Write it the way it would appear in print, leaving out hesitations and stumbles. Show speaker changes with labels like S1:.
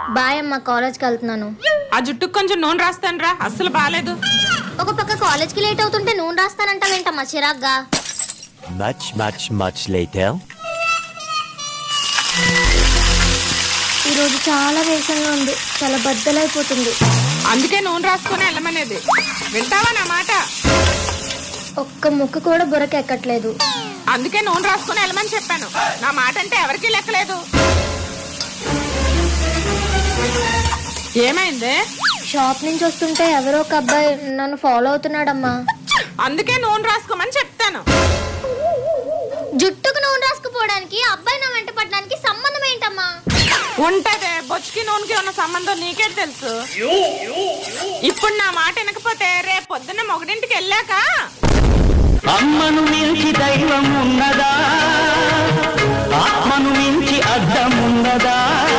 S1: Bye అమ్మ, కాలేజ్కి వెళ్తున్నాను.
S2: ఆ జుట్టుకు కొంచెం నూనె రాస్తాను రా, అస్సలు బాలేదు.
S1: ఒక పక్క కాలేజ్కి లేట్ అవుతుంటే నూనె రాస్తానంటావేంటమ్మా చిరాగ్గా?
S3: Much later.
S1: ఈరోజు చాలా వేసంగా ఉంది, చాలా బద్దలైపోతుంది.
S2: అందుకే నూనె రాసుకొని వెళ్ళమనేది. వింటావా నా మాట?
S1: ఒక్క ముక్క కూడా బుర్రకెక్కట్లేదు.
S2: అందుకే నూనె రాసుకొని వెళ్ళమని చెప్పాను. నా మాట అంటే ఎవరికీ లెక్కలేదు. ఏమైంది?
S1: షాప్ నుంచి వస్తుంటే ఎవరో ఒక అబ్బాయి నన్ను ఫాలో అవుతున్నాడమ్మా.
S2: అందుకే నూనె రాసుకోమని చెప్తాను.
S1: జుట్టుకు నూనె రాసుకుపోవడానికి అబ్బాయి నా వెంట పడడానికి సంబంధం ఏంటమ్మా?
S2: ఉంటదే, బొచ్చుకి నూనెకి ఉన్న సంబంధం నీకే తెలుసు. ఇప్పుడు నా మాట వినకపోతే రేపు పొద్దున్న మొగడింటికి వెళ్ళాక
S4: అమ్మను మించి దైవం ఉన్నదా, ఆత్మను మించి అద్దం ఉన్నదా?